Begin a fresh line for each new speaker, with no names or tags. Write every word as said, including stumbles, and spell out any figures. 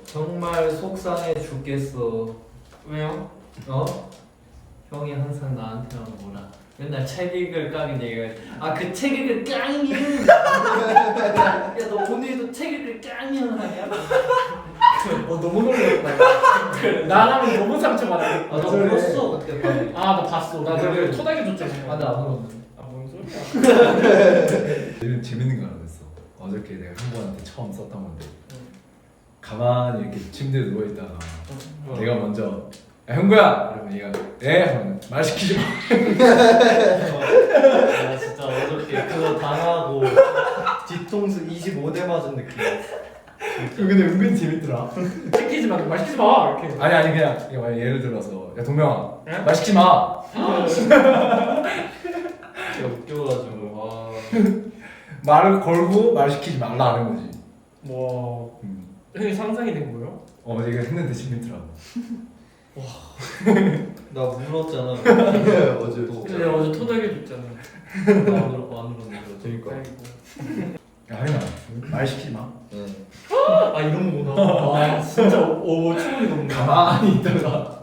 정말 속상해 죽겠어.
왜요?
어? 형이 항상 나한테만 뭐라. 맨날 책 읽을 깡인 얘기가. 아그 책 읽을 깡이. 야너 오늘도 책 읽을 깡이 하냐?
어 너무 놀랐다. 나라면 너무 상처받아.
아너 울었어 그때 밤에.
아 나 봤어. 나 그걸 토닥여 줬잖아.
아나안 울었는데.
아뭔 소리야?
재밌, 재밌는 거 하나 있어. 어저께 내가 형부한테 처음 썼던 건데 가만히 이렇게 침대에 누워 있다가
어.
내가 먼저 야 형부야! 이러면 얘가 예? 하면 말 시키지 마.
나 진짜 어저께 그거 당하고 뒤통수 이십오 대 맞은 느낌이었어.
그거 근데 은근 재밌더라.
시키지 마, 말 시키지 마 이렇게.
아니 아니 그냥 이거 만약 예를 들어서 야 동명아
예?
말 시키지 마.
진짜 웃겨가지고 와.
말을 걸고 말 시키지 말라는 거지.
와,
음.
형이 상상이 된 거예요?
어 내가 했는데 재밌더라고.
나 울었잖아. 어제 또.
근데 내가 어제 토닥여 줬잖아.
안 울었고 안 울었는데.
그러니까.
아이고.
야 하림아 말 시키지 마.
네.
아 이런 거구나. 아 진짜 오 충분히 너무.
가만히 있다가